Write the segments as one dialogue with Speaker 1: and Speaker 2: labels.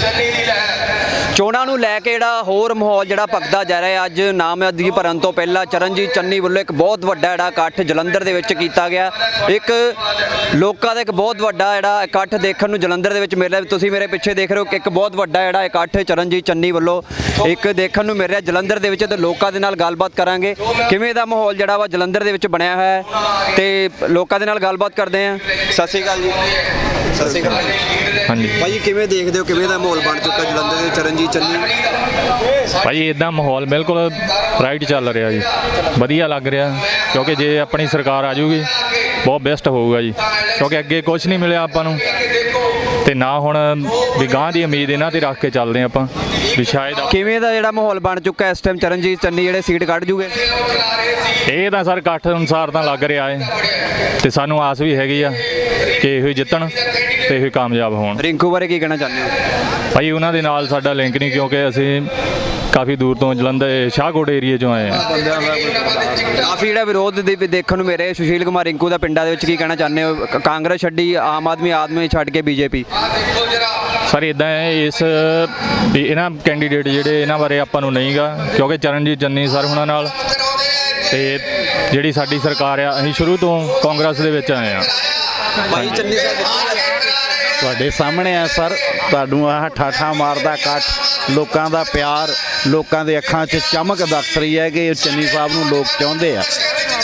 Speaker 1: ਚੋਣਾਂ ਨੂੰ ਲੈ ਕੇ ਜਿਹੜਾ ਹੋਰ ਮਾਹੌਲ ਜਿਹੜਾ ਭਖਦਾ ਜਾ ਰਿਹਾ ਅੱਜ ਨਾਮਜ਼ਦਗੀ ਭਰਨ ਤੋਂ ਪਹਿਲਾਂ ਚਰਨਜੀਤ ਚੰਨੀ ਵੱਲੋਂ ਇੱਕ ਬਹੁਤ ਵੱਡਾ ਜਿਹੜਾ ਇਕੱਠ ਜਲੰਧਰ ਦੇ ਵਿੱਚ ਕੀਤਾ ਗਿਆ। ਇੱਕ ਲੋਕਾਂ ਦਾ ਇੱਕ ਬਹੁਤ ਵੱਡਾ ਜਿਹੜਾ ਇਕੱਠ ਦੇਖਣ ਨੂੰ ਜਲੰਧਰ ਦੇ ਵਿੱਚ ਮਿਲ ਰਿਹਾ। ਤੁਸੀਂ ਮੇਰੇ ਪਿੱਛੇ ਦੇਖ ਰਹੇ ਹੋ ਕਿ ਇੱਕ ਬਹੁਤ ਵੱਡਾ ਜਿਹੜਾ ਇਕੱਠ ਚਰਨਜੀਤ ਚੰਨੀ ਵੱਲੋਂ ਇੱਕ ਦੇਖਣ ਨੂੰ ਮਿਲ ਰਿਹਾ ਜਲੰਧਰ ਦੇ ਵਿੱਚ। ਤੇ ਲੋਕਾਂ ਦੇ ਨਾਲ ਗੱਲਬਾਤ ਕਰਾਂਗੇ ਕਿਵੇਂ ਦਾ ਮਾਹੌਲ ਜਿਹੜਾ ਵਾ ਜਲੰਧਰ ਦੇ ਵਿੱਚ ਬਣਿਆ ਹੋਇਆ ਹੈ ਤੇ ਲੋਕਾਂ ਦੇ ਨਾਲ ਗੱਲਬਾਤ ਕਰਦੇ ਹਾਂ। ਸਤਿ ਸ਼੍ਰੀ ਅਕਾਲ ਜੀ। ਸਤਿ ਸ਼੍ਰੀ ਅਕਾਲ
Speaker 2: ਹਾਂਜੀ
Speaker 1: ਭਾਈ, ਕਿਵੇਂ ਦੇਖਦੇ ਹੋ ਕਿਵੇਂ ਦਾ ਮਾਹੌਲ ਬਣ ਚੁੱਕਾ ਜਲੰਧਰ ਦੇ ਚਰਨਜੀਤ ਚੰਨੀ?
Speaker 2: ਭਾਜੀ ਇੱਦਾਂ ਮਾਹੌਲ ਬਿਲਕੁਲ ਰਾਈਟ ਚੱਲ ਰਿਹਾ ਜੀ, ਵਧੀਆ ਲੱਗ ਰਿਹਾ ਕਿਉਂਕਿ ਜੇ ਆਪਣੀ ਸਰਕਾਰ ਆ ਜਾਊਗੀ ਬਹੁਤ ਬੈਸਟ ਹੋਊਗਾ ਜੀ, ਕਿਉਂਕਿ ਅੱਗੇ ਕੁਝ ਨਹੀਂ ਮਿਲਿਆ ਆਪਾਂ ਨੂੰ ਤੇ ਨਾ ਹੁਣ ਵੀ ਗਾਂ ਦੀ ਉਮੀਦ ਇਹਨਾਂ ਤੇ ਰੱਖ ਕੇ ਚੱਲਦੇ ਹਾਂ ਆਪਾਂ ਵੀ ਸ਼ਾਇਦ। ਕਿਵੇਂ
Speaker 1: ਦਾ ਜਿਹੜਾ ਮਾਹੌਲ ਬਣ ਚੁੱਕਾ ਇਸ ਟਾਈਮ ਚਰਨਜੀਤ ਚੰਨੀ ਜਿਹੜੇ ਸੀਟ ਕੱਢ ਜੂਗੇ?
Speaker 2: ਇਹ ਤਾਂ ਸਰ ਇਕੱਠ ਅਨੁਸਾਰ ਤਾਂ ਲੱਗ ਰਿਹਾ ਹੈ ਤੇ ਸਾਨੂੰ ਆਸ ਵੀ ਹੈਗੀ ਆ ਕਿ ਇਹੋ ਹੀ ਜਿੱਤਣ ਤੇ ਇਹੋ ਹੀ ਕਾਮਯਾਬ ਹੋਣ।
Speaker 1: ਰਿੰਕੂ ਬਾਰੇ ਕੀ ਕਹਿਣਾ ਚਾਹੁੰਦੇ ਹੋ?
Speaker 2: ਭਾਈ ਉਹਨਾਂ ਦੇ ਨਾਲ ਸਾਡਾ ਲਿੰਕ ਨਹੀਂ, ਕਿਉਂਕਿ ਅਸੀਂ ਕਾਫੀ ਦੂਰ ਤੋਂ ਜਲੰਧਰ ਸ਼ਾਹਕੋਟ ਏਰੀਏ ਚੋਂ ਆਏ ਹਾਂ।
Speaker 1: ਕਾਫੀ ਜਿਹੜਾ ਵਿਰੋਧ ਦੇਖਣ ਨੂੰ ਮੇਰੇ ਸੁਸ਼ੀਲ ਕੁਮਾਰ ਰਿੰਕੂ ਦਾ ਪਿੰਡਾਂ ਦੇ ਵਿੱਚ ਕੀ ਕਹਿਣਾ ਚਾਹੁੰਦੇ ਹੋ? ਕਾਂਗਰਸ ਛੱਡੀ, ਆਮ ਆਦਮੀ ਛੱਡ ਕੇ ਬੀਜੇਪੀ।
Speaker 2: ਸਰ ਇੱਦਾਂ ਹੈ ਇਸ ਵੀ ਇਹਨਾਂ ਕੈਂਡੀਡੇਟ ਜਿਹੜੇ ਇਹਨਾਂ ਬਾਰੇ ਆਪਾਂ ਨੂੰ ਨਹੀਂ ਗਾ, ਕਿਉਂਕਿ ਚਰਨਜੀਤ ਚੰਨੀ ਸਰ ਹੁਣਾਂ ਨਾਲ ਤੇ ਜਿਹੜੀ ਸਾਡੀ ਸਰਕਾਰ ਆ ਅਸੀਂ ਸ਼ੁਰੂ ਤੋਂ ਕਾਂਗਰਸ ਦੇ ਵਿੱਚ ਆਏ ਹਾਂ।
Speaker 1: ਭਾਈ ਚੰਨੀ ਸਾਹਿਬ
Speaker 3: ਤੁਹਾਡੇ ਸਾਹਮਣੇ ਆ ਸਰ, ਤੁਹਾਨੂੰ ਆਹ ਠਾਠਾ ਮਾਰਦਾ ਇਕੱਠ, ਲੋਕਾਂ ਦਾ ਪਿਆਰ, ਲੋਕਾਂ ਦੇ ਅੱਖਾਂ 'ਚ ਚਮਕ ਦੱਸ ਰਹੀ ਹੈ ਕਿ ਚੰਨੀ ਸਾਹਿਬ ਨੂੰ ਲੋਕ ਚਾਹੁੰਦੇ ਆ।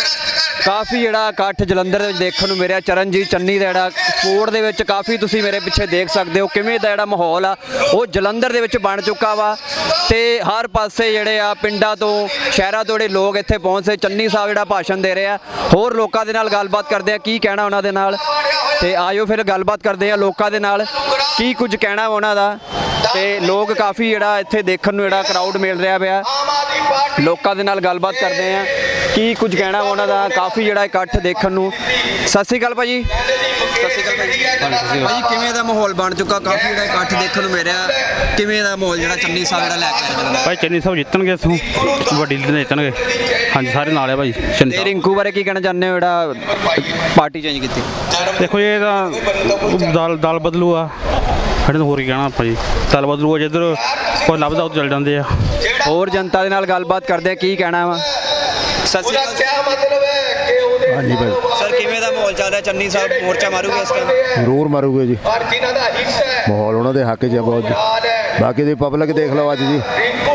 Speaker 1: ਕਾਫੀ ਜਿਹੜਾ ਇਕੱਠ ਜਲੰਧਰ ਦੇ ਵਿੱਚ ਦੇਖਣ ਨੂੰ ਮਿਲਿਆ ਚਰਨਜੀਤ ਚੰਨੀ ਦਾ ਜਿਹੜਾ ਸਪੋਰਟ ਦੇ ਵਿੱਚ ਕਾਫੀ ਤੁਸੀਂ ਮੇਰੇ ਪਿੱਛੇ ਦੇਖ ਸਕਦੇ ਹੋ ਕਿਵੇਂ ਦਾ ਜਿਹੜਾ ਮਾਹੌਲ ਆ ਉਹ ਜਲੰਧਰ ਦੇ ਵਿੱਚ ਬਣ ਚੁੱਕਾ ਵਾ। ਤੇ ਹਰ ਪਾਸੇ ਜਿਹੜੇ ਆ ਪਿੰਡਾਂ ਤੋਂ ਸ਼ਹਿਰਾਂ ਤੋਂ ਜਿਹੜੇ ਲੋਕ ਇੱਥੇ ਪਹੁੰਚੇ, ਚੰਨੀ ਸਾਹਿਬ ਜਿਹੜਾ ਭਾਸ਼ਣ ਦੇ ਰਹੇ ਆ। ਹੋਰ ਲੋਕਾਂ ਦੇ ਨਾਲ ਗੱਲਬਾਤ ਕਰਦੇ ਆ ਕੀ ਕਹਿਣਾ ਉਹਨਾਂ ਦੇ ਨਾਲ, ਤੇ ਆਇਓ ਫਿਰ ਗੱਲਬਾਤ ਕਰਦੇ ਆ ਲੋਕਾਂ ਦੇ ਨਾਲ ਕੀ ਕੁਝ ਕਹਿਣਾ ਉਹਨਾਂ ਦਾ। ਤੇ ਲੋਕ ਕਾਫੀ ਜਿਹੜਾ ਇੱਥੇ ਦੇਖਣ ਨੂੰ ਜਿਹੜਾ ਕਰਾਊਡ ਮਿਲ ਰਿਹਾ ਪਿਆ, ਲੋਕਾਂ ਦੇ ਨਾਲ ਗੱਲਬਾਤ ਕਰਦੇ ਆ ਕੀ ਕੁਝ ਕਹਿਣਾ ਉਹਨਾਂ ਦਾ। ਕਾਫੀ ਜਿਹੜਾ ਇਕੱਠ ਦੇਖਣ ਨੂੰ। ਸਤਿ ਸ਼੍ਰੀ ਅਕਾਲ ਭਾਜੀ। ਸਤਿ ਸ਼੍ਰੀ ਅਕਾਲ ਭਾਜੀ। ਕਿਵੇਂ ਦਾ ਮਾਹੌਲ ਬਣ ਚੁੱਕਾ? ਕਾਫੀ ਜਿਹੜਾ ਇਕੱਠ ਦੇਖਣ ਨੂੰ ਮਿਲ ਰਿਹਾ, ਕਿਵੇਂ ਦਾ ਮਾਹੌਲ ਜਿਹੜਾ ਚੰਨੀ ਸਾਹਿਬ ਜਿਹੜਾ ਲੈ ਕੇ ਆਏ?
Speaker 3: ਭਾਈ ਚੰਨੀ ਸਾਹਿਬ ਜਿੱਤਣਗੇ, ਇੱਥੋਂ ਵੱਡੀ ਲੀਡ ਜਿੱਤਣਗੇ। ਹਾਂਜੀ ਸਾਰੇ ਨਾਲ ਆ ਭਾਈ।
Speaker 1: ਤੇ ਰਿੰਕੂ ਬਾਰੇ ਕੀ ਕਹਿਣਾ ਚਾਹੁੰਦੇ ਹੋ ਜਿਹੜਾ ਪਾਰਟੀ ਚੇਂਜ ਕੀਤੀ?
Speaker 3: ਦੇਖੋ ਇਹ ਤਾਂ ਦਲ ਬਦਲੂ ਆ, ਸਾਡੇ ਨੂੰ ਹੋਰ ਕੀ ਕਹਿਣਾ ਆਪਾਂ ਜੀ। ਦਲ ਬਦਲੂ ਆ, ਜਿੱਧਰ ਕੋਈ ਲੱਭਦਾ ਉੱਧਰ ਚੱਲ ਜਾਂਦੇ ਆ।
Speaker 1: ਹੋਰ ਜਨਤਾ ਦੇ ਨਾਲ ਗੱਲਬਾਤ ਕਰਦੇ ਆ ਕੀ ਕਹਿਣਾ ਵਾ। ਸਤਿ ਸ਼੍ਰੀ ਅਕਾਲ।
Speaker 3: ਹਾਂਜੀ ਭਾਈ।
Speaker 1: ਸਰ ਕਿਵੇਂ ਦਾ ਮਾਹੌਲ ਚੱਲ ਰਿਹਾ? ਚੰਨੀ ਸਾਹਿਬ ਮੋਰਚਾ ਮਾਰੂਗੇ ਇਸ ਟਾਈਮ?
Speaker 4: ਜ਼ਰੂਰ ਮਾਰੂਗੇ ਜੀ, ਮਾਹੌਲ ਉਹਨਾਂ ਦੇ ਹੱਕ 'ਚ ਹੈ ਬਹੁਤ ਜੀ। ਬਾਕੀ ਦੀ ਪਬਲਿਕ ਦੇਖ ਲਓ ਅੱਜ ਜੀ,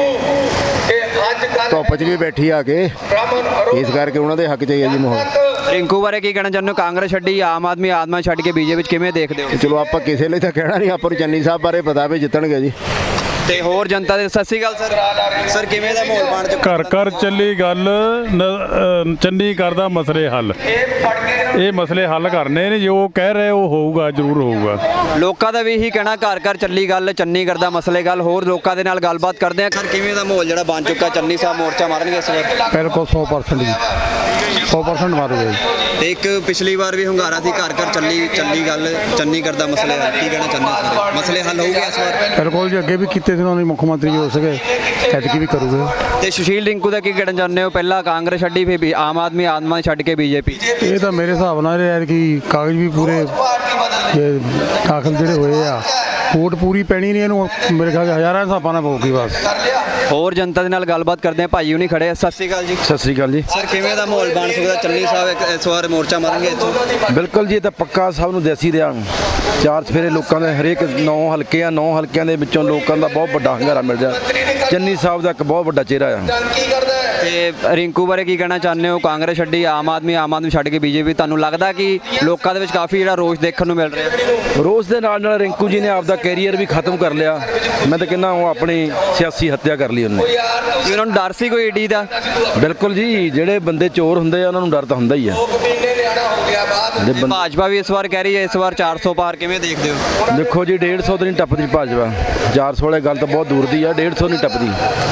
Speaker 4: ਧੁੱਪ 'ਚ ਵੀ ਬੈਠੀ ਆ ਕੇ, ਇਸ ਕਰਕੇ ਉਹਨਾਂ ਦੇ ਹੱਕ 'ਚ ਹੀ ਹੈ ਜੀ ਮਾਹੌਲ।
Speaker 1: ਰਿੰਕੂ ਬਾਰੇ ਕੀ ਕਹਿਣਾ ਚਾਹੁੰਦੇ ਹੋ? ਕਾਂਗਰਸ ਛੱਡੀ, ਆਮ ਆਦਮੀ ਛੱਡ ਕੇ ਬੀਜੇਪੀ ਵਿੱਚ ਕਿਵੇਂ ਦੇਖਦੇ ਹੋ?
Speaker 4: ਚਲੋ ਆਪਾਂ ਕਿਸੇ ਲਈ ਤਾਂ ਕਹਿਣਾ ਨਹੀਂ, ਆਪਾਂ ਨੂੰ ਚੰਨੀ ਸਾਹਿਬ ਬਾਰੇ ਪਤਾ ਵੀ ਜਿੱਤਣਗੇ ਜੀ।
Speaker 1: ਤੇ ਹੋਰ ਜਨਤਾ ਦੇ ਸਤਿ ਸ਼੍ਰੀ ਅਕਾਲ ਸਰ। ਸਰ ਕਿਵੇਂ ਦਾ ਮਾਹੌਲ ਬਣ ਚੁੱਕਾ?
Speaker 5: ਘਰ ਘਰ ਚੱਲੀ ਗੱਲ, ਚੰਨੀ ਕਰਦਾ ਮਸਲੇ ਹੱਲ। ਇਹ ਮਸਲੇ ਹੱਲ ਕਰਨੇ ਨੇ, ਜੋ ਕਹਿ ਰਹੇ ਉਹ ਹੋਊਗਾ, ਜ਼ਰੂਰ ਹੋਊਗਾ।
Speaker 1: ਲੋਕਾਂ ਦਾ ਵੀ ਇਹੀ ਕਹਿਣਾ ਘਰ ਘਰ ਚੱਲੀ ਗੱਲ, ਚੰਨੀ ਕਰਦਾ ਮਸਲੇ ਗੱਲ। ਹੋਰ ਲੋਕਾਂ ਦੇ ਨਾਲ ਗੱਲਬਾਤ ਕਰਦੇ ਆ। ਸਰ ਕਿਵੇਂ ਦਾ ਮਾਹੌਲ ਜਿਹੜਾ ਬਣ ਚੁੱਕਾ? ਚੰਨੀ ਸਾਹਿਬ ਮੋਰਚਾ ਮਾਰਨਗੇ ਇਸ ਵਾਰ?
Speaker 3: ਬਿਲਕੁਲ 100% ਜੀ, 100% ਮਾਰੂਗੇ ਜੀ।
Speaker 1: ਤੇ ਇੱਕ ਪਿਛਲੀ ਵਾਰ ਵੀ ਹੁੰਗਾਰਾ ਸੀ ਘਰ ਘਰ ਚੱਲੀ ਗੱਲ, ਚੰਨੀ ਕਰਦਾ ਮਸਲੇ ਹੱਲ। ਕੀ ਕਹਿਣਾ ਚਾਹੁੰਦੇ ਹੋ? ਮਸਲੇ ਹੱਲ ਹੋਊਗੇ ਇਸ ਵਾਰ?
Speaker 3: ਬਿਲਕੁਲ ਜੀ, ਅੱਗੇ ਵੀ ਕੀਤੇ ਸੀ ਉਹਨਾਂ ਨੇ, ਮੁੱਖ ਮੰਤਰੀ ਹੋ ਸਕੇ, ਐਤਕੀ ਵੀ ਕਰੂਗੇ।
Speaker 1: ਤੇ ਸੁਸ਼ੀਲ ਰਿੰਕੂ ਦਾ ਕੀ ਕਹਿਣਾ ਚਾਹੁੰਦੇ ਹੋ? ਪਹਿਲਾਂ ਕਾਂਗਰਸ ਛੱਡੀ, ਫਿਰ ਆਮ ਆਦਮੀ ਛੱਡ ਕੇ ਬੀਜੇਪੀ।
Speaker 3: ਇਹ ਤਾਂ ਮੇਰੇ ਹਿਸਾਬ ਨਾਲ ਐਤਕੀ ਕਾਗਜ਼ ਵੀ ਪੂਰੇ ਦਾਖਲ ਜਿਹੜੇ ਹੋਏ ਆ, ਵੋਟ ਪੂਰੀ ਪੈਣੀ ਨਹੀਂ ਇਹਨੂੰ, ਮੇਰੇ ਖਿਆਲ ਹਜ਼ਾਰਾਂ ਹਿਸਾਬਾਂ ਨਾਲ ਪਊਗੀ ਬਸ।
Speaker 1: ਹੋਰ ਜਨਤਾ ਦੇ ਨਾਲ ਗੱਲਬਾਤ ਕਰਦੇ ਆ। ਭਾਈ ਹੁਣੀ ਖੜੇ ਆ। ਸਤਿ ਸ਼੍ਰੀ ਅਕਾਲ ਜੀ।
Speaker 3: ਸਤਿ ਸ੍ਰੀ ਅਕਾਲ ਜੀ।
Speaker 1: ਸਰ ਕਿਵੇਂ ਦਾ ਮਾਹੌਲ ਬਣ ਸਕਦਾ? ਚੰਨੀ ਸਾਹਿਬ ਇਸ ਵਾਰ ਮੋਰਚਾ ਮਾਰਨਗੇ ਇੱਥੋਂ?
Speaker 6: ਬਿਲਕੁਲ ਜੀ, ਇਹ ਤਾਂ ਪੱਕਾ ਸਭ ਨੂੰ ਦੇਸੀ ਰਿਹਾ। ਚਾਰ ਚਫੇਰੇ ਲੋਕਾਂ ਦੇ ਹਰੇਕ 9 ਹਲਕੇ ਆ, 9 ਹਲਕਿਆਂ ਦੇ ਵਿੱਚੋਂ ਲੋਕਾਂ ਦਾ ਬਹੁਤ ਵੱਡਾ ਹੰਗਾਰਾ ਮਿਲ ਰਿਹਾ। ਚੰਨੀ ਸਾਹਿਬ ਦਾ ਇੱਕ ਬਹੁਤ ਵੱਡਾ ਚਿਹਰਾ ਆ।
Speaker 1: ਤੇ ਰਿੰਕੂ ਬਾਰੇ ਕੀ ਕਹਿਣਾ ਚਾਹੁੰਦੇ ਹੋ? ਕਾਂਗਰਸ ਛੱਡੀ, ਆਮ ਆਦਮੀ ਛੱਡ ਕੇ ਬੀਜੇਪੀ। ਤੁਹਾਨੂੰ ਲੱਗਦਾ ਕਿ ਲੋਕਾਂ ਦੇ ਵਿੱਚ ਕਾਫੀ ਜਿਹੜਾ ਰੋਸ ਦੇਖਣ ਨੂੰ ਮਿਲ ਰਿਹਾ?
Speaker 6: ਰੋਸ ਦੇ ਨਾਲ ਨਾਲ ਰਿੰਕੂ ਜੀ ਨੇ ਆਪਦਾ ਕੈਰੀਅਰ ਵੀ ਖਤਮ ਕਰ ਲਿਆ। ਮੈਂ ਤਾਂ ਕਹਿੰਦਾ ਉਹ ਆਪਣੀ ਸਿਆਸੀ ਹੱਤਿਆ ਕਰ ਲਈ ਉਹਨੇ।
Speaker 1: ਉਹਨਾਂ ਨੂੰ ਡਰ ਸੀ ਕੋਈ ਈਡੀ ਦਾ?
Speaker 6: ਬਿਲਕੁਲ ਜੀ, ਜਿਹੜੇ ਬੰਦੇ ਚੋਰ ਹੁੰਦੇ ਆ ਉਹਨਾਂ ਨੂੰ ਡਰ ਤਾਂ ਹੁੰਦਾ ਹੀ ਆ।
Speaker 1: ਭਾਜਪਾ ਵੀ ਇਸ ਵਾਰ ਕਹਿ ਰਹੀ ਹੈ ਇਸ ਵਾਰ 400 ਪਾਰ, ਕਿਵੇਂ ਦੇਖਦੇ ਹੋ?
Speaker 6: ਦੇਖੋ ਜੀ, 150 ਤਾਂ ਨਹੀਂ ਟੱਪਦੀ ਭਾਜਪਾ, 400 ਵਾਲੀ ਗੱਲ ਤਾਂ ਬਹੁਤ ਦੂਰ ਦੀ ਆ, 150 ਨਹੀਂ ਟੱਪਦੀ।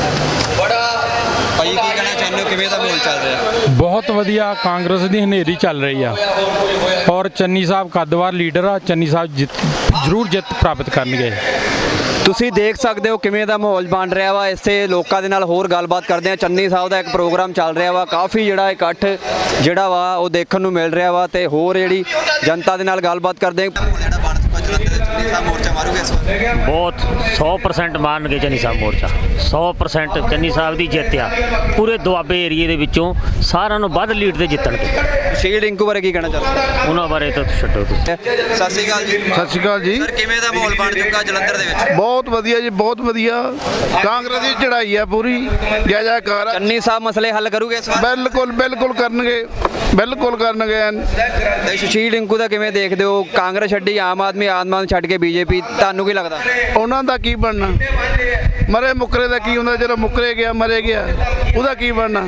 Speaker 1: ਭਾਈ ਕੀ ਕਹਿਣਾ ਚਾਹੁੰਦੇ ਹੋ? ਕਿਵੇਂ ਦਾ ਮਾਹੌਲ ਚੱਲ ਰਿਹਾ?
Speaker 5: ਬਹੁਤ ਵਧੀਆ, ਕਾਂਗਰਸ ਦੀ ਹਨੇਰੀ ਚੱਲ ਰਹੀ ਆ ਔਰ ਚੰਨੀ ਸਾਹਿਬ ਕੱਦਵਾਰ ਲੀਡਰ ਆ। ਚੰਨੀ ਸਾਹਿਬ ਜ਼ਰੂਰ ਜਿੱਤ ਪ੍ਰਾਪਤ ਕਰਨਗੇ।
Speaker 1: ਤੁਸੀਂ ਦੇਖ ਸਕਦੇ ਹੋ ਕਿਵੇਂ ਦਾ ਮਾਹੌਲ ਬਣ ਰਿਹਾ ਵਾ। ਇਸੇ ਲੋਕਾਂ ਦੇ ਨਾਲ ਹੋਰ ਗੱਲਬਾਤ ਕਰਦੇ ਆ। ਚੰਨੀ ਸਾਹਿਬ ਦਾ ਇੱਕ ਪ੍ਰੋਗਰਾਮ ਚੱਲ ਰਿਹਾ ਵਾ, ਕਾਫੀ ਜਿਹੜਾ ਇਕੱਠ ਜਿਹੜਾ ਵਾ ਉਹ ਦੇਖਣ ਨੂੰ ਮਿਲ ਰਿਹਾ ਵਾ। ਤੇ ਹੋਰ ਜਿਹੜੀ ਜਨਤਾ ਦੇ ਨਾਲ ਗੱਲਬਾਤ ਕਰਦੇ ਆ। ਮੋਰਚਾ ਮਾਰੂਗੇ ਇਸ ਵਾਰ?
Speaker 7: ਬਹੁਤ 100% ਮਾਰਨਗੇ ਚੰਨੀ ਸਾਹਿਬ ਮੋਰਚਾ 100% ਚੰਨੀ ਸਾਹਿਬ ਦੀ ਜਿੱਤ ਆ ਪੂਰੇ ਦੁਆਬੇ ਏਰੀਏ ਦੇ ਵਿੱਚੋਂ ਸਾਰਿਆਂ ਨੂੰ ਵੱਧ ਲੀਡ ਤੇ ਜਿੱਤਣਗੇ।
Speaker 1: ਸ਼ਹੀਦ ਰਿੰਕੂ ਬਾਰੇ ਕੀ ਕਹਿਣਾ ਚਾਹੁੰਦੇ?
Speaker 7: ਉਹਨਾਂ ਬਾਰੇ ਤਾਂ ਛੱਡੋ ਤੁਸੀਂ।
Speaker 1: ਸਤਿ ਸ਼੍ਰੀ ਅਕਾਲ ਜੀ।
Speaker 3: ਸਤਿ ਸ਼੍ਰੀ ਅਕਾਲ ਜੀ।
Speaker 1: ਸਰ ਕਿਵੇਂ ਦਾ ਮਾਹੌਲ ਬਣ ਚੁੱਕਾ ਜਲੰਧਰ ਦੇ ਵਿੱਚ?
Speaker 3: ਬਹੁਤ ਵਧੀਆ ਜੀ, ਬਹੁਤ ਵਧੀਆ। ਕਾਂਗਰਸ ਦੀ ਚੜ੍ਹਾਈ ਆ ਪੂਰੀ, ਜੈ ਜੈਕਾਰ ਆ।
Speaker 1: ਚੰਨੀ ਸਾਹਿਬ ਮਸਲੇ ਹੱਲ ਕਰੂਗੇ ਇਸ ਵਾਰ?
Speaker 3: ਬਿਲਕੁਲ ਬਿਲਕੁਲ ਕਰਨਗੇ, ਬਿਲਕੁਲ ਕਰਨਗੇ।
Speaker 1: ਤੇ ਸ਼ਹੀਦ ਰਿੰਕੂ ਦਾ ਕਿਵੇਂ ਦੇਖਦੇ ਹੋ? ਕਾਂਗਰਸ ਛੱਡੀ, ਆਮ ਆਦਮੀ ਛੱਡ ਕੇ ਬੀਜੇਪੀ, ਤੁਹਾਨੂੰ ਕੀ ਲੱਗਦਾ?
Speaker 3: ਉਹਨਾਂ ਦਾ ਕੀ ਬਣਨਾ? ਮਰੇ ਮੁੱਕਰੇ ਦਾ ਕੀ ਹੁੰਦਾ? ਜਦੋਂ ਮੁੱਕਰੇ ਗਿਆ ਮਰੇ ਗਿਆ, ਉਹਦਾ ਕੀ ਬਣਨਾ?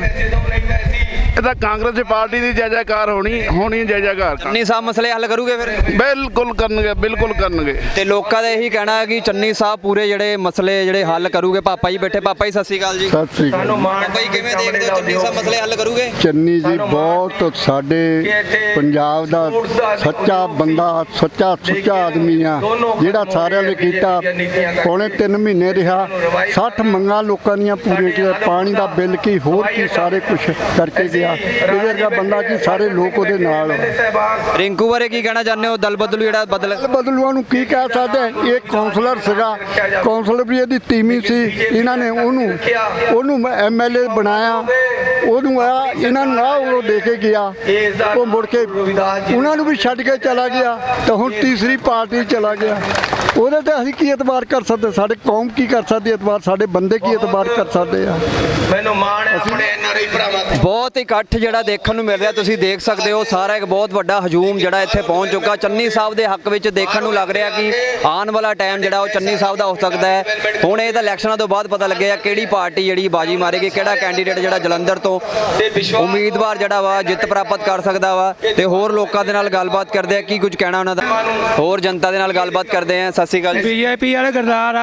Speaker 3: ਇਹ ਤਾਂ ਕਾਂਗਰਸ ਦੀ ਪਾਰਟੀ ਦੀ ਜੈ ਜੈਕਾਰ ਹੋਣੀ ਜੈ ਜੈਕਾਰ।
Speaker 1: ਚੰਨੀ ਸਾਹਿਬ ਮਸਲੇ ਹੱਲ ਕਰੂਗੇ ਫਿਰ?
Speaker 3: ਬਿਲਕੁਲ ਕਰਨਗੇ, ਬਿਲਕੁਲ ਕਰਨਗੇ।
Speaker 1: ਤੇ ਲੋਕਾਂ ਦਾ ਇਹੀ ਕਹਿਣਾ ਹੈ ਕਿ ਚੰਨੀ ਸਾਹਿਬ ਪੂਰੇ ਜਿਹੜੇ ਮਸਲੇ ਜਿਹੜੇ ਹੱਲ ਕਰੂਗੇ। ਪਾਪਾ ਜੀ ਬੈਠੇ, ਪਾਪਾ ਜੀ ਸਤਿ ਸ਼੍ਰੀ ਅਕਾਲ ਜੀ।
Speaker 4: ਸਤਿ ਸ੍ਰੀ ਅਕਾਲ।
Speaker 1: ਪਾਪਾ ਜੀ ਕਿਵੇਂ ਦੇਖਦੇ ਹੋ ਚੰਨੀ ਸਾਹਿਬ ਮਸਲੇ ਹੱਲ ਕਰੂਗੇ?
Speaker 4: ਚੰਨੀ ਜੀ ਬਹੁਤ ਸਾਡੇ ਪੰਜਾਬ ਦਾ ਸੱਚਾ ਬੰਦਾ, ਸੱਚਾ ਸੁੱਚਾ ਆਦਮੀ ਆ, ਜਿਹੜਾ ਸਾਰਿਆਂ ਨੇ ਕੀਤਾ। ਪੌਣੇ 3 ਮਹੀਨੇ ਰਿਹਾ, 60 ਮੰਗਾਂ ਲੋਕਾਂ ਦੀਆਂ ਪੂਰੀਆਂ ਕੀਤੀਆਂ। ਪਾਣੀ ਦਾ ਬਿੱਲ ਕੀ, ਹੋਰ ਕੀ, ਸਾਰੇ ਕੁਝ ਕਰਕੇ ਗਿਆ। ਇਹਦੇ ਵਰਗਾ ਬੰਦਾ ਕੀ, ਸਾਰੇ ਲੋਕ ਉਹਦੇ ਨਾਲ।
Speaker 1: ਰਿੰਕੂ ਬਾਰੇ ਕੀ ਕਹਿਣਾ ਚਾਹੁੰਦੇ ਹੋ? ਦਲ ਬਦਲੂ ਜਿਹੜਾ
Speaker 4: ਬਦਲੂਆਂ ਨੂੰ ਕੀ ਕਹਿ ਸਕਦੇ? ਇਹ ਕਾਉਂਸਲਰ ਸੀਗਾ, ਕਾਉਂਸਲਰ ਵੀ ਇਹਦੀ ਟੀਮੀ ਸੀ। ਇਹਨਾਂ ਨੇ ਉਹਨੂੰ ਐਮਐਲਏ ਬਣਾਇਆ, ਉਹਨੂੰ ਆ ਇਹਨਾਂ ਨੂੰ ਉਹ ਦੇ ਕੇ ਗਿਆ। ਉਹ ਮੁੜ ਕੇ ਉਹਨਾਂ ਨੂੰ ਵੀ ਛੱਡ ਕੇ ਚਲਾ ਗਿਆ, ਤਾਂ ਹੁਣ ਤੀਸਰੀ ਪਾਰਟੀ ਚਲਾ ਗਿਆ। ਉਹਦੇ ਤੇ ਅਸੀਂ ਕੀ ਇਤਬਾਰ ਕਰ ਸਕਦੇ? ਸਾਡੇ ਕੌਮ ਕੀ ਕਰ ਸਕਦੀ ਇਤਬਾਰ? ਸਾਡੇ ਬੰਦੇ ਕੀ ਇਤਬਾਰ ਕਰ ਸਕਦੇ ਆ?
Speaker 8: ਮੈਨੂੰ ਮਾਣ ਹੈ ਆਪਣੇ ਐਨਆਰਆਈ ਭਰਾਵਾਂ ਤੇ।
Speaker 1: ਬਹੁਤ ਇਕੱਠ ਜਿਹੜਾ ਦੇਖਣ ਨੂੰ ਮਿਲ ਰਿਹਾ, ਤੁਸੀਂ ਦੇਖ ਸਕਦੇ ਹੋ। ਸਾਰਾ ਇੱਕ ਬਹੁਤ ਵੱਡਾ ਹਜੂਮ ਜਿਹੜਾ ਇੱਥੇ ਪਹੁੰਚ ਚੁੱਕਾ ਚੰਨੀ ਸਾਹਿਬ ਦੇ ਹੱਕ ਵਿੱਚ। ਦੇਖਣ ਨੂੰ ਲੱਗ ਰਿਹਾ ਕਿ ਆਉਣ ਵਾਲਾ ਟਾਈਮ ਜਿਹੜਾ ਉਹ ਚੰਨੀ ਸਾਹਿਬ ਦਾ ਹੋ ਸਕਦਾ ਹੈ। ਹੁਣ ਇਹ ਤਾਂ ਇਲੈਕਸ਼ਨਾਂ ਤੋਂ ਬਾਅਦ ਪਤਾ ਲੱਗੇਗਾ ਕਿਹੜੀ ਪਾਰਟੀ ਜਿਹੜੀ ਬਾਜੀ ਮਾਰੇਗੀ, ਕਿਹੜਾ ਕੈਂਡੀਡੇਟ ਜਿਹੜਾ ਜਲੰਧਰ ਤੋਂ ਉਮੀਦਵਾਰ ਜਿਹੜਾ ਵਾ ਜਿੱਤ ਪ੍ਰਾਪਤ ਕਰ ਸਕਦਾ ਵਾ। ਤੇ ਹੋਰ ਲੋਕਾਂ ਦੇ ਨਾਲ ਗੱਲਬਾਤ ਕਰਦੇ ਆ, ਕੀ ਕੁਝ ਕਹਿਣਾ ਉਹਨਾਂ ਦਾ, ਹੋਰ ਜਨਤਾ ਦੇ ਨਾਲ ਗੱਲਬਾਤ ਕਰਦੇ ਆ। ਸਤਿ ਸ਼੍ਰੀ ਅਕਾਲ ਜੀ।
Speaker 9: ਬੀਜੇਪੀ ਵਾਲੇ ਗਰਦਾਰ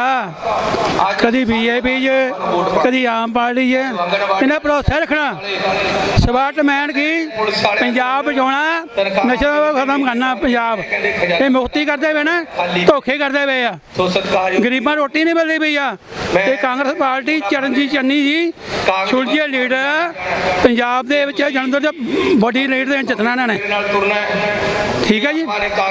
Speaker 9: ਆ, ਕਦੀ ਬੀਜੇਪੀ 'ਚ ਕਦੀ ਆਮ ਪਾਰਟੀ 'ਚ। ਇਹਨਾਂ ਭਰੋਸਾ ਰੱਖਣਾ ਸਵਾਟਮੈਨ ਕੀ ਪੰਜਾਬ ਬਚਾਉਣਾ, ਨਸ਼ਾ ਖਤਮ ਕਰਨਾ ਪੰਜਾਬ। ਇਹ ਮੁਕਤੀ ਕਰਦੇ ਪਏ ਨਾ, ਧੋਖੇ ਕਰਦੇ ਪਏ ਆ, ਗਰੀਬਾਂ ਰੋਟੀ ਨਹੀਂ ਮਿਲਦੀ ਪਈ ਆ। ਤੇ ਕਾਂਗਰਸ ਪਾਰਟੀ ਚਰਨਜੀਤ ਚੰਨੀ ਜੀ ਸੁਲਝੇ ਲੀਡਰ ਪੰਜਾਬ ਦੇ ਵਿੱਚ ਜਲੰਧਰ ਦੇ ਵੱਡੀ ਲੀਡ ਦੇ ਜਿੱਤਣਾ ਇਹਨਾਂ ਨੇ। ਠੀਕ ਹੈ ਜੀ।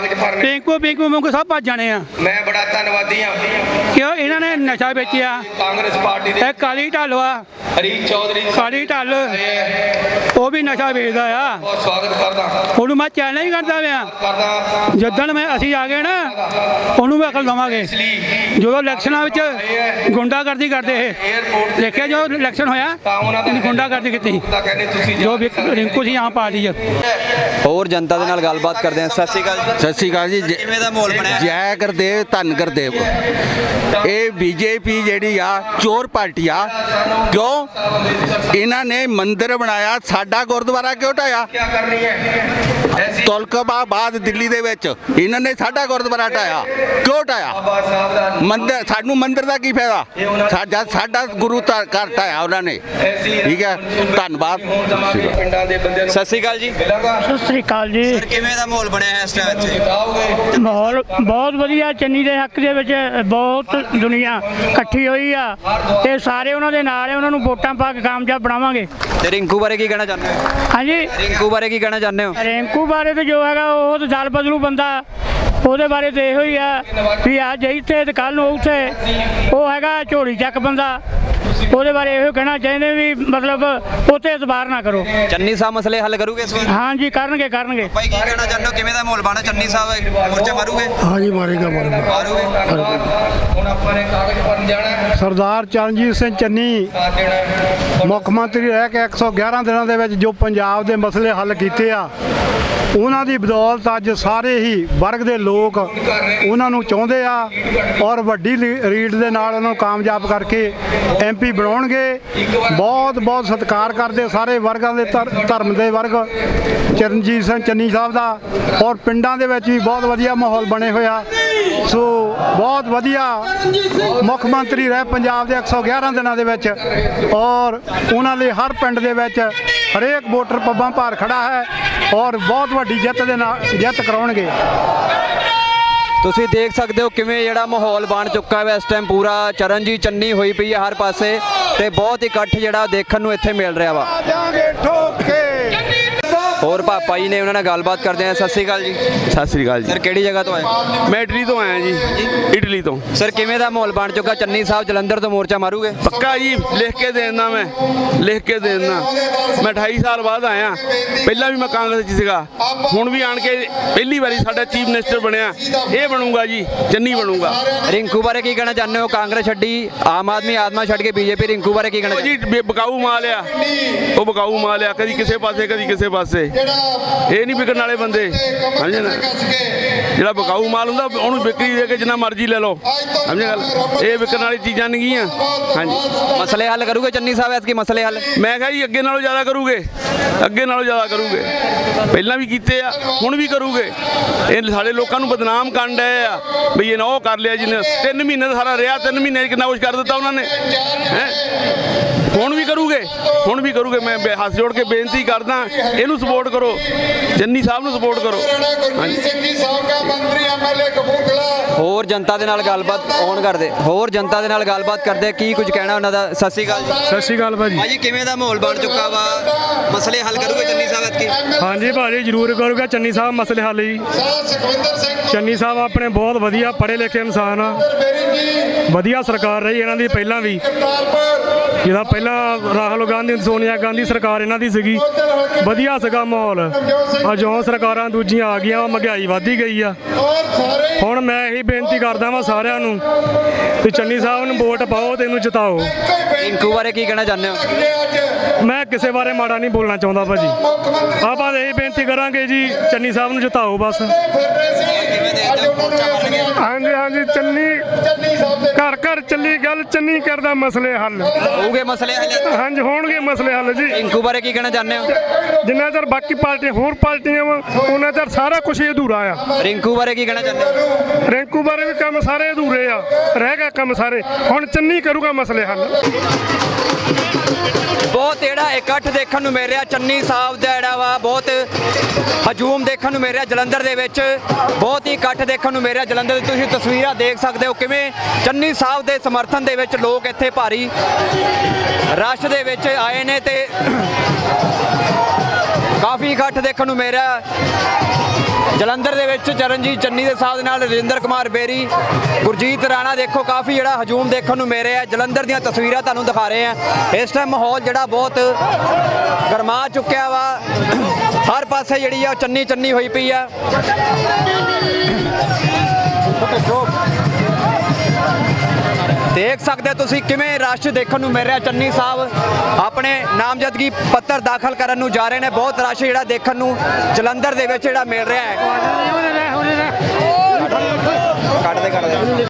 Speaker 9: ਪਿੰਕੂ ਸਭ ਭੱਜ ਜਾਣੇ ਆ।
Speaker 8: ਮੈਂ ਬੜਾ ਧੰਨਵਾਦੀ ਹਾਂ
Speaker 9: ਕਿਉਂ? ਇਹਨਾਂ ਨੇ ਨਸ਼ਾ ਵੇਚਿਆ।
Speaker 8: ਕਾਂਗਰਸ ਪਾਰਟੀ ਦੇ
Speaker 9: ਇਹ ਕਾਲੀ ਢਾਲਵਾ,
Speaker 8: ਹਰੀਸ਼ ਚੌਧਰੀ
Speaker 9: ਕਾਲੀ ਢਾਲ, ਉਹ ਵੀ ਨਸ਼ਾ ਵੇਚਦਾ ਆ।
Speaker 8: ਬਹੁਤ ਸਵਾਗਤ ਕਰਦਾ
Speaker 9: ਉਹਨੂੰ ਮੈਂ ਚੈਲੰਜ ਕਰਦਾ ਪਿਆ, ਜਦੋਂ ਅਸੀਂ ਆ ਗਏ ਨਾ ਉਹਨੂੰ ਵੀ ਅਕਲ ਦੇਵਾਂਗੇ। ਜਦੋਂ ਇਲੈਕਸ਼ਨਾਂ ਵਿੱਚ ਗੁੰਡਾਗਰਦੀ ਕਰਦੇ ਇਹ ਦੇਖਿਆ, ਜੋ ਇਲੈਕਸ਼ਨ ਹੋਇਆ ਇਹਨੇ ਗੁੰਡਾਗਰਦੀ ਕੀਤੀ ਜੋ ਰਿੰਕੂ ਸੀ ਆਮ ਪਾਰਟੀ 'ਚ।
Speaker 1: ਹੋਰ ਜਨਤਾ ਦੇ ਨਾਲ ਗੱਲਬਾਤ ਕਰਦੇ ਆ। ਸਤਿ ਸ਼੍ਰੀ ਅਕਾਲ ਜੀ।
Speaker 3: ਸਤਿ ਸ਼੍ਰੀ ਅਕਾਲ ਜੀ।
Speaker 1: ਕਿਵੇਂ ਦਾ ਮਾਹੌਲ ਬਣਿਆ?
Speaker 3: ਜੈ ਗੁਰਦੇਵ, ਧੰਨ ਗੁਰਦੇਵ। ਇਹ ਬੀਜੇਪੀ ਜਿਹੜੀ ਆ ਚੋਰ ਪਾਰਟੀ ਆ। ਕਿਉਂ? ਇਹਨਾਂ ਨੇ ਮੰਦਿਰ ਬਣਾਇਆ, ਸਾਡਾ ਗੁਰਦੁਆਰਾ ਕਿਉਂ ਢਾਇਆ? ਤੁਲਕਬਾਬਾਦ ਦਿੱਲੀ ਦੇ ਵਿੱਚ ਇਹਨਾਂ ਨੇ ਸਾਡਾ ਗੁਰਦੁਆਰਾ ਢਾਇਆ। ਕਿਉਂ ਢਾਇਆ? ਮੰਦਿਰ, ਸਾਨੂੰ ਮੰਦਿਰ ਦਾ ਕੀ ਫਾਇਦਾ? ਸਾਡਾ ਗੁਰੂ ਘਰ ਢਾਇਆ ਉਹਨਾਂ ਨੇ। ਠੀਕ ਹੈ, ਧੰਨਵਾਦ।
Speaker 8: ਪਿੰਡਾਂ ਦੇ ਬੰਦਿਆਂ ਨੂੰ
Speaker 1: ਸਤਿ ਸ਼੍ਰੀ ਅਕਾਲ ਜੀ।
Speaker 9: ਸਤਿ ਸ੍ਰੀ ਅਕਾਲ ਜੀ।
Speaker 1: ਸਰ ਕਿਵੇਂ ਦਾ ਮਾਹੌਲ ਬਣਿਆ ਹੈ ਇਸ ਟਾਈਮ ਇੱਥੇ?
Speaker 9: ਮਾਹੌਲ ਬਹੁਤ ਵਧੀਆ। ਚੰਨੀ ਦੇ ਹੱਕ ਦੇ ਵਿੱਚ ਬਹੁਤ ਦੁਨੀਆ ਇਕੱਠੀ ਹੋਈ ਆ। ਇਹ ਸਾਰੇ ਉਹਨਾਂ ਦੇ ਨਾਲ, ਉਹਨਾਂ ਨੂੰ ਵੋਟਾਂ ਪਾ ਕੇ ਕਾਮਯਾਬ ਬਣਾਵਾਂਗੇ।
Speaker 1: ਤੇ ਰਿੰਕੂ ਬਾਰੇ ਕੀ ਕਹਿਣਾ ਚਾਹੁੰਦੇ ਹੋ?
Speaker 9: ਹਾਂਜੀ,
Speaker 1: ਰਿੰਕੂ ਬਾਰੇ ਕੀ ਕਹਿਣਾ ਚਾਹੁੰਦੇ ਹੋ?
Speaker 9: ਰਿੰਕੂ ਬਾਰੇ ਤਾਂ ਜੋ ਹੈਗਾ ਉਹ ਤਾਂ ਦਲ ਬਦਲੂ ਬੰਦਾ। ਉਹਦੇ ਬਾਰੇ ਤਾਂ ਇਹੋ ਹੀ ਆ ਵੀ ਅੱਜ ਇੱਥੇ ਤੇ ਕੱਲ੍ਹ ਨੂੰ ਉੱਥੇ। ਉਹ ਹੈਗਾ ਝੋਲੀ ਚੱਕ ਬੰਦਾ। ਉਹਦੇ ਬਾਰੇ ਇਹੋ ਕਹਿਣਾ ਚਾਹੁੰਦੇ ਵੀ ਮਤਲਬ ਉੱਥੇ ਇਤਬਾਰ ਨਾ ਕਰੋ।
Speaker 1: ਚੰਨੀ ਸਾਹਿਬ ਮਸਲੇ ਹੱਲ ਕਰੂਗੇ ਇਸ ਵਾਰ?
Speaker 9: ਹਾਂਜੀ, ਕਰਨਗੇ।
Speaker 1: ਭਾਈ ਕੀ ਕਹਿਣਾ ਚਾਹੁੰਦੇ ਹੋ? ਕਿਵੇਂ ਦਾ ਮਾਹੌਲ ਬਣਾ? ਚੰਨੀ ਸਾਹਿਬ ਮੋਰਚਾ ਮਾਰੂਗੇ?
Speaker 10: ਹਾਂਜੀ, ਮਾਰੂਗੇ।
Speaker 8: ਹੁਣ ਆਪਾਂ ਨੇ ਕਾਗਜ਼ ਭਰਨ ਜਾਣਾ।
Speaker 10: ਸਰਦਾਰ ਚਰਨਜੀਤ ਸਿੰਘ ਚੰਨੀ ਮੁੱਖ ਮੰਤਰੀ ਰਹਿ ਕੇ 111 ਦਿਨਾਂ ਦੇ ਵਿੱਚ ਜੋ ਪੰਜਾਬ ਦੇ ਮਸਲੇ ਹੱਲ ਕੀਤੇ ਆ, ਉਹਨਾਂ ਦੀ ਬਦੌਲਤ ਅੱਜ ਸਾਰੇ ਹੀ ਵਰਗ ਦੇ ਲੋਕ ਉਹਨਾਂ ਨੂੰ ਚਾਹੁੰਦੇ ਆ ਔਰ ਵੱਡੀ ਰੀਡ ਦੇ ਨਾਲ ਉਹਨਾਂ ਨੂੰ ਕਾਮਯਾਬ ਕਰਕੇ ਐਮਪੀ ਬਣਾਉਣਗੇ। ਬਹੁਤ ਬਹੁਤ ਸਤਿਕਾਰ ਕਰਦੇ ਸਾਰੇ ਵਰਗਾਂ ਦੇ, ਧਰਮ ਦੇ ਵਰਗ ਚਰਨਜੀਤ ਸਿੰਘ ਚੰਨੀ ਸਾਹਿਬ ਦਾ। ਔਰ ਪਿੰਡਾਂ ਦੇ ਵਿੱਚ ਵੀ ਬਹੁਤ ਵਧੀਆ ਮਾਹੌਲ ਬਣੇ ਹੋਇਆ। ਸੋ ਬਹੁਤ ਵਧੀਆ ਮੁੱਖ ਮੰਤਰੀ ਰਹੇ ਪੰਜਾਬ ਦੇ 111 ਦਿਨਾਂ ਦੇ ਵਿੱਚ। ਔਰ ਉਹਨਾਂ ਲਈ ਹਰ ਪਿੰਡ ਦੇ ਵਿੱਚ ਹਰੇਕ ਵੋਟਰ ਪੱਬਾਂ ਭਾਰ ਖੜਾ ਹੈ ਔਰ ਬਹੁਤ ਵੱਡੀ ਜਿੱਤ ਦੇ ਨਾਲ ਜਿੱਤ ਕਰਾਉਣਗੇ।
Speaker 1: ਤੁਸੀਂ ਦੇਖ ਸਕਦੇ ਹੋ ਕਿਵੇਂ ਜਿਹੜਾ ਮਾਹੌਲ ਬਣ ਚੁੱਕਾ ਹੈ ਇਸ ਟਾਈਮ। ਪੂਰਾ ਚਰਨਜੀਤ ਚੰਨੀ ਹੋਈ ਪਈ ਹੈ ਹਰ ਪਾਸੇ, ਤੇ ਬਹੁਤ ਇਕੱਠ ਜਿਹੜਾ ਦੇਖਣ ਨੂੰ ਇੱਥੇ ਮਿਲ ਰਿਹਾ ਵਾ। ਹੋਰ ਪਾਪਾ ਜੀ ਨੇ, ਉਹਨਾਂ ਨਾਲ ਗੱਲਬਾਤ ਕਰਦੇ ਆ। ਸਤਿ ਸ਼੍ਰੀ ਅਕਾਲ ਜੀ।
Speaker 3: ਸਤਿ ਸ੍ਰੀ ਅਕਾਲ ਜੀ।
Speaker 1: ਸਰ ਕਿਹੜੀ ਜਗ੍ਹਾ ਤੋਂ ਆਏ?
Speaker 3: ਮੈਂ ਇਟਲੀ ਤੋਂ ਆਇਆ ਜੀ, ਇਟਲੀ ਤੋਂ।
Speaker 1: ਸਰ ਕਿਵੇਂ ਦਾ ਮਾਹੌਲ ਬਣ ਚੁੱਕਾ? ਚੰਨੀ ਸਾਹਿਬ ਜਲੰਧਰ ਤੋਂ ਮੋਰਚਾ ਮਾਰੂਗੇ?
Speaker 3: ਪੱਕਾ ਜੀ, ਲਿਖ ਕੇ ਦੇ ਦਿੰਦਾ, ਮੈਂ ਲਿਖ ਕੇ ਦੇ ਦਿੰਦਾ। ਮੈਂ 28 ਸਾਲ ਬਾਅਦ ਆਇਆ, ਪਹਿਲਾਂ ਵੀ ਮੈਂ ਕਾਂਗਰਸ 'ਚ ਸੀਗਾ, ਹੁਣ ਵੀ ਆਣ ਕੇ ਪਹਿਲੀ ਵਾਰੀ ਸਾਡਾ ਚੀਫ ਮਿਨਿਸਟਰ ਬਣਿਆ। ਇਹ ਬਣੂਗਾ ਜੀ, ਚੰਨੀ ਬਣੂਗਾ।
Speaker 1: ਰਿੰਕੂ ਬਾਰੇ ਕੀ ਕਹਿਣਾ ਚਾਹੁੰਦੇ ਹੋ? ਕਾਂਗਰਸ ਛੱਡੀ, ਆਮ ਆਦਮੀ ਛੱਡ ਕੇ ਬੀਜੇਪੀ, ਰਿੰਕੂ ਬਾਰੇ ਕੀ ਕਹਿਣਾ
Speaker 3: ਉਹ ਜੀ ਬਕਾਊ ਮਾਲ ਆ, ਉਹ ਬਕਾਊ ਮਾਲ ਆ, ਕਦੀ ਕਿਸੇ ਪਾਸੇ ਕਦੀ ਕਿਸੇ ਪਾਸੇ। ਇਹ ਨਹੀਂ ਵਿਕਣ ਵਾਲੇ ਬੰਦੇ, ਸਮਝੇ ਨਾ? ਜਿਹੜਾ ਬਕਾਊ ਮਾਲ ਹੁੰਦਾ ਉਹਨੂੰ ਵਿਕਰੀ ਦੇ ਕੇ ਜਿੰਨਾ ਮਰਜ਼ੀ ਲੈ ਲਓ, ਸਮਝੇ ਗੱਲ? ਇਹ ਵਿਕਣ ਵਾਲੀ ਚੀਜ਼ਾਂ ਨਹੀਂ ਗੀਆਂ। ਹਾਂਜੀ,
Speaker 1: ਮਸਲੇ ਹੱਲ ਕਰੂਗੇ ਚੰਨੀ ਸਾਹਿਬ? ਐਤਕੀ ਮਸਲੇ ਹੱਲ
Speaker 3: ਮੈਂ ਕਿਹਾ ਜੀ ਅੱਗੇ ਨਾਲੋਂ ਜ਼ਿਆਦਾ ਕਰੂਗੇ, ਅੱਗੇ ਨਾਲੋਂ ਜ਼ਿਆਦਾ ਕਰੂਗੇ। ਪਹਿਲਾਂ ਵੀ ਕੀਤੇ ਆ, ਹੁਣ ਵੀ ਕਰੂਗੇ। ਇਹ ਸਾਡੇ ਲੋਕਾਂ ਨੂੰ ਬਦਨਾਮ ਕਰਨ ਡਏ ਆ ਬਈ ਇਹਨਾਂ ਉਹ ਕਰ ਲਿਆ ਜਿਹਨੇ 3 ਮਹੀਨੇ ਦਾ ਸਾਰਾ ਰਿਹਾ, 3 ਮਹੀਨੇ 'ਚ ਕਿੰਨਾ ਕੁਛ ਕਰ ਦਿੱਤਾ ਉਹਨਾਂ ਨੇ। ਹੁਣ ਵੀ ਕਰੂਗੇ, ਹੁਣ ਵੀ ਕਰੂਗੇ। ਮੈਂ ਹੱਥ ਜੋੜ ਕੇ ਬੇਨਤੀ ਕਰਦਾ, ਇਹਨੂੰ ਸਪੋਰਟ ਕਰੋ, ਚੰਨੀ ਸਾਹਿਬ ਨੂੰ ਸਪੋਰਟ ਕਰੋ।
Speaker 1: ਹੋਰ ਜਨਤਾ ਦੇ ਨਾਲ ਗੱਲਬਾਤ ਔਨ ਕਰਦੇ, ਹੋਰ ਜਨਤਾ ਦੇ ਨਾਲ ਗੱਲਬਾਤ ਕਰਦੇ, ਕੀ ਕੁਝ ਕਹਿਣਾ ਉਹਨਾਂ ਦਾ? ਸਤਿ ਸ਼੍ਰੀ ਅਕਾਲ ਜੀ।
Speaker 10: ਸਤਿ ਸ਼੍ਰੀ ਅਕਾਲ ਭਾਜੀ।
Speaker 1: ਭਾਜੀ ਕਿਵੇਂ ਦਾ ਮਾਹੌਲ ਬਣ ਚੁੱਕਾ ਵਾ? ਮਸਲੇ ਹੱਲ ਕਰੂਗੇ ਚੰਨੀ ਸਾਹਿਬ ਐਤਕੀ?
Speaker 10: ਹਾਂਜੀ ਭਾਜੀ, ਜ਼ਰੂਰ ਕਰੂਗਾ ਚੰਨੀ ਸਾਹਿਬ ਮਸਲੇ ਹੱਲ ਜੀ। ਚੰਨੀ ਸਾਹਿਬ ਆਪਣੇ ਬਹੁਤ ਵਧੀਆ ਪੜ੍ਹੇ ਲਿਖੇ ਇਨਸਾਨ ਆ, ਵਧੀਆ ਸਰਕਾਰ ਰਹੀ ਇਹਨਾਂ ਦੀ ਪਹਿਲਾਂ ਵੀ। ਜਿਹਦਾ ਪਹਿਲਾਂ ਰਾਹੁਲ ਗਾਂਧੀ, ਸੋਨੀਆ ਗਾਂਧੀ ਸਰਕਾਰ ਇਹਨਾਂ ਦੀ ਸੀਗੀ, ਵਧੀਆ ਸੀਗਾ ਮਾਹੌਲ। ਆ ਜਿਉਂ ਸਰਕਾਰਾਂ ਦੂਜੀਆਂ ਆ ਗਈਆਂ, ਮਹਿੰਗਾਈ ਵਧੀ ਗਈ ਆ। ਹੁਣ ਮੈਂ ਇਹੀ ਬੇਨਤੀ ਕਰਦਾ ਵਾਂ ਸਾਰਿਆਂ ਨੂੰ ਕਿ ਚੰਨੀ ਸਾਹਿਬ ਨੂੰ ਵੋਟ ਪਾਓ ਤੇ ਇਹਨੂੰ ਜਿਤਾਓ।
Speaker 1: ਰਿੰਕੂ ਬਾਰੇ ਕੀ ਕਹਿਣਾ ਚਾਹੁੰਦੇ ਹੋ?
Speaker 10: ਮੈਂ ਕਿਸੇ ਬਾਰੇ ਮਾੜਾ ਨਹੀਂ ਬੋਲਣਾ ਚਾਹੁੰਦਾ ਭਾਜੀ। ਆਪਾਂ ਇਹੀ ਬੇਨਤੀ ਕਰਾਂਗੇ ਜੀ, ਚੰਨੀ ਸਾਹਿਬ ਨੂੰ ਜਿਤਾਓ ਬਸ। ਹਾਂਜੀ ਹਾਂਜੀ, ਚੰਨੀ ਘਰ ਘਰ ਚੱਲੀ ਗੱਲ, ਚੰਨੀ ਕਰਦਾ ਮਸਲੇ ਹੱਲ।
Speaker 1: ਹੋਊਗੇ ਮਸਲੇ ਹੱਲ?
Speaker 10: ਹਾਂਜੀ ਹੋਣਗੇ ਮਸਲੇ ਹੱਲ ਜੀ।
Speaker 1: ਰਿੰਕੂ ਬਾਰੇ ਕੀ ਕਹਿਣਾ ਚਾਹੁੰਦੇ ਹੋ?
Speaker 10: ਜਿੰਨਾ ਚਿਰ ਬਾਕੀ ਪਾਰਟੀਆਂ ਹੋਰ ਪਾਰਟੀਆਂ ਵਾ, ਉਹਨਾਂ ਚਿਰ ਸਾਰਾ ਕੁਝ ਅਧੂਰਾ ਆ।
Speaker 1: ਰਿੰਕੂ ਬਾਰੇ ਕੀ ਕਹਿਣਾ ਚਾਹੁੰਦੇ ਹੋ?
Speaker 10: ਰਿੰਕੂ ਬਾਰੇ ਵੀ ਕੰਮ ਸਾਰੇ ਅਧੂਰੇ ਆ, ਰਹਿ ਗਿਆ ਕੰਮ ਸਾਰੇ। ਹੁਣ ਚੰਨੀ ਕਰੂਗਾ ਮਸਲੇ ਹੱਲ।
Speaker 1: ਬਹੁਤ ਜਿਹੜਾ ਇਕੱਠ ਦੇਖਣ ਨੂੰ ਮਿਲ ਰਿਹਾ ਚੰਨੀ ਸਾਹਿਬ ਦਾ, ਜਿਹੜਾ ਵਾ ਬਹੁਤ ਹਜੂਮ ਦੇਖਣ ਨੂੰ ਮਿਲ ਰਿਹਾ ਜਲੰਧਰ ਦੇ ਵਿੱਚ। ਬਹੁਤ ਹੀ ਇਕੱਠ ਦੇਖਣ ਨੂੰ ਮਿਲ ਰਿਹਾ ਜਲੰਧਰ ਦੀ। ਤੁਸੀਂ ਤਸਵੀਰਾਂ ਦੇਖ ਸਕਦੇ ਹੋ ਕਿਵੇਂ ਚੰਨੀ ਸਾਹਿਬ ਦੇ ਸਮਰਥਨ ਦੇ ਵਿੱਚ ਲੋਕ ਇੱਥੇ ਭਾਰੀ ਰਸ਼ ਦੇ ਵਿੱਚ ਆਏ ਨੇ ਤੇ ਕਾਫੀ ਇਕੱਠ ਦੇਖਣ ਨੂੰ ਮਿਲ ਰਿਹਾ ਜਲੰਧਰ ਦੇ ਵਿੱਚ। ਚਰਨਜੀਤ ਚੰਨੀ ਦੇ ਸਾਹਿਬ ਦੇ ਨਾਲ ਰਜਿੰਦਰ ਕੁਮਾਰ ਬੇਰੀ, ਗੁਰਜੀਤ ਰਾਣਾ, ਦੇਖੋ ਕਾਫੀ ਜਿਹੜਾ ਹਜੂਮ ਦੇਖਣ ਨੂੰ ਮਿਲ ਰਿਹਾ। ਜਲੰਧਰ ਦੀਆਂ ਤਸਵੀਰਾਂ ਤੁਹਾਨੂੰ ਦਿਖਾ ਰਹੇ ਆ। ਇਸ ਟਾਈਮ ਮਾਹੌਲ ਜਿਹੜਾ ਬਹੁਤ ਗਰਮਾ ਚੁੱਕਿਆ ਵਾ, ਹਰ ਪਾਸੇ ਜਿਹੜੀ ਆ ਚੰਨੀ ਚੰਨੀ ਹੋਈ ਪਈ ਆ। ਦੇਖ ਸਕਦੇ ਤੁਸੀਂ ਕਿਵੇਂ ਰਸ਼ ਦੇਖਣ ਨੂੰ ਮਿਲ ਰਿਹਾ। ਚੰਨੀ ਸਾਹਿਬ ਆਪਣੇ ਨਾਮਜ਼ਦਗੀ ਪੱਤਰ ਦਾਖਲ ਕਰਨ ਨੂੰ ਜਾ ਰਹੇ ਨੇ। ਬਹੁਤ ਰਸ਼ ਜਿਹੜਾ ਦੇਖਣ ਨੂੰ ਜਲੰਧਰ ਦੇ ਵਿੱਚ ਜਿਹੜਾ ਮਿਲ ਰਿਹਾ ਹੈ। ਕੱਢਦੇ